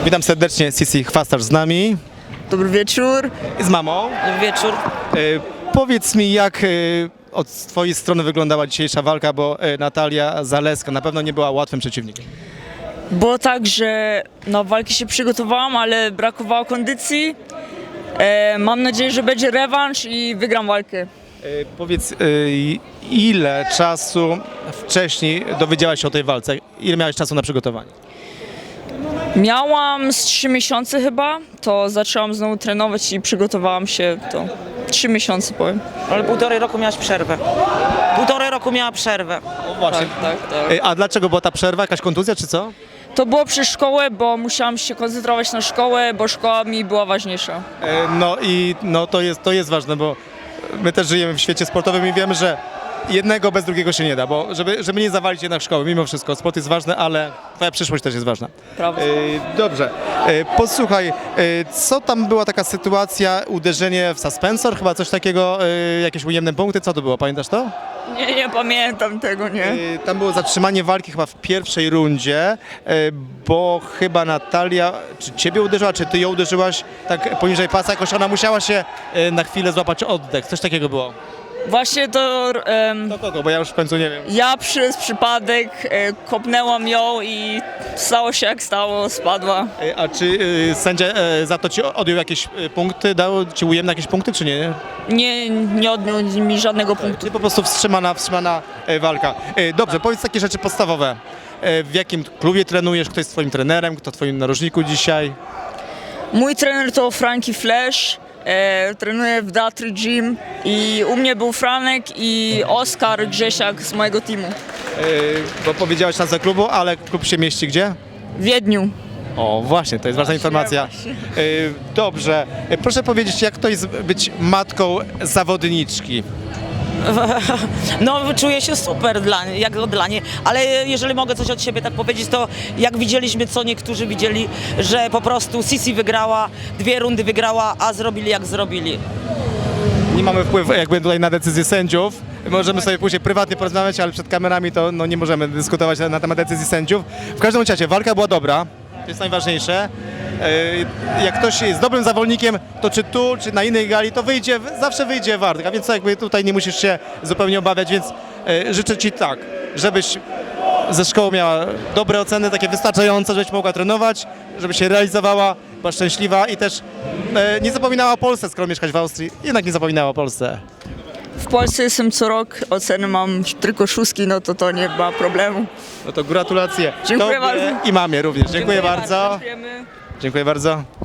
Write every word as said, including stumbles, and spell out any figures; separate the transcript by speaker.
Speaker 1: Witam serdecznie, Sisi Chwastarz z nami
Speaker 2: Dobry wieczór.
Speaker 1: i z mamą.
Speaker 3: Dobry wieczór.
Speaker 1: E, powiedz mi, jak e, od twojej strony wyglądała dzisiejsza walka, bo e, Natalia Zaleska na pewno nie była łatwym przeciwnikiem.
Speaker 2: Było tak, że na walki się przygotowałam, ale brakowało kondycji. E, mam nadzieję, że będzie rewanż i wygram walkę.
Speaker 1: E, powiedz, e, ile czasu wcześniej dowiedziałaś się o tej walce? Ile miałeś czasu na przygotowanie?
Speaker 2: Miałam z trzy miesiące chyba, to zaczęłam znowu trenować i przygotowałam się to trzy miesiące powiem.
Speaker 3: Ale półtorej roku miałaś przerwę. Półtorej roku miała przerwę.
Speaker 1: O, właśnie.
Speaker 2: tak, tak.
Speaker 1: E, a dlaczego była ta przerwa? Jakaś kontuzja czy co?
Speaker 2: To było przez szkołę, bo musiałam się koncentrować na szkołę, bo szkoła mi była ważniejsza.
Speaker 1: E, no i no, to, jest, to jest ważne, bo my też żyjemy w świecie sportowym i wiemy, że jednego bez drugiego się nie da, bo żeby, żeby nie zawalić jednak szkoły, mimo wszystko, sport jest ważny, ale twoja przyszłość też jest ważna.
Speaker 2: Prawda.
Speaker 1: E, dobrze, e, posłuchaj, e, co tam była taka sytuacja, uderzenie w suspensor, chyba coś takiego, e, jakieś ujemne punkty, co to było, pamiętasz to?
Speaker 2: Nie, nie pamiętam tego, nie.
Speaker 1: E, tam było zatrzymanie walki chyba w pierwszej rundzie, e, bo chyba Natalia, czy ciebie uderzyła, czy ty ją uderzyłaś tak poniżej pasa, jakoś ona musiała się e, na chwilę złapać oddech, coś takiego było.
Speaker 2: Właśnie to em,
Speaker 1: Do kogo, bo ja już w końcu nie wiem.
Speaker 2: ja przez przypadek e, kopnęłam ją i stało się jak stało, spadła.
Speaker 1: E, A czy e, sędzia e, za to ci odjął jakieś e, punkty, dał ci ujemne jakieś punkty, czy nie?
Speaker 2: Nie, nie odniósł mi żadnego punktu.
Speaker 1: Czy po prostu wstrzymana, wstrzymana e, walka? E, Dobrze, powiedz takie rzeczy podstawowe. E, W jakim klubie trenujesz? Kto jest twoim trenerem? Kto w twoim narożniku dzisiaj?
Speaker 2: Mój trener to Frankie Flash, e, trenuje w Datry Gym i u mnie był Franek i Oskar Grzesiak z mojego teamu
Speaker 1: E, Bo powiedziałeś nazwę klubu, ale klub się mieści gdzie?
Speaker 2: w Wiedniu.
Speaker 1: O, właśnie, to jest ważna informacja.
Speaker 2: właśnie.
Speaker 1: E, Dobrze, E, proszę powiedzieć, jak to jest być matką zawodniczki?
Speaker 3: No czuję się super dla, jak dla niej, ale jeżeli mogę coś od siebie tak powiedzieć, to jak widzieliśmy, co niektórzy widzieli, że po prostu Sisi wygrała, dwie rundy wygrała, a zrobili jak zrobili.
Speaker 1: Nie mamy wpływu jakby tutaj na decyzje sędziów. Możemy sobie później prywatnie porozmawiać, ale przed kamerami to no, nie możemy dyskutować na, na temat decyzji sędziów. W każdym razie walka była dobra, to jest najważniejsze. E, Jak ktoś jest dobrym zawodnikiem, to czy tu, czy na innej gali, to wyjdzie, zawsze wyjdzie wart, a więc jakby tutaj nie musisz się zupełnie obawiać, więc e, życzę ci tak, żebyś ze szkoły miała dobre oceny, takie wystarczające, żebyś mogła trenować, żeby się realizowała, była szczęśliwa i też e, nie zapominała o Polsce, skoro mieszkasz w Austrii, jednak nie zapominała o Polsce.
Speaker 2: W Polsce jestem co rok, oceny mam tylko szóstki, no to to nie ma problemu.
Speaker 1: No to gratulacje.
Speaker 2: Dziękuję
Speaker 1: Tobie
Speaker 2: bardzo.
Speaker 1: i mamie również. Dziękuję bardzo.
Speaker 2: Dziękujemy.
Speaker 1: Dziękuję bardzo.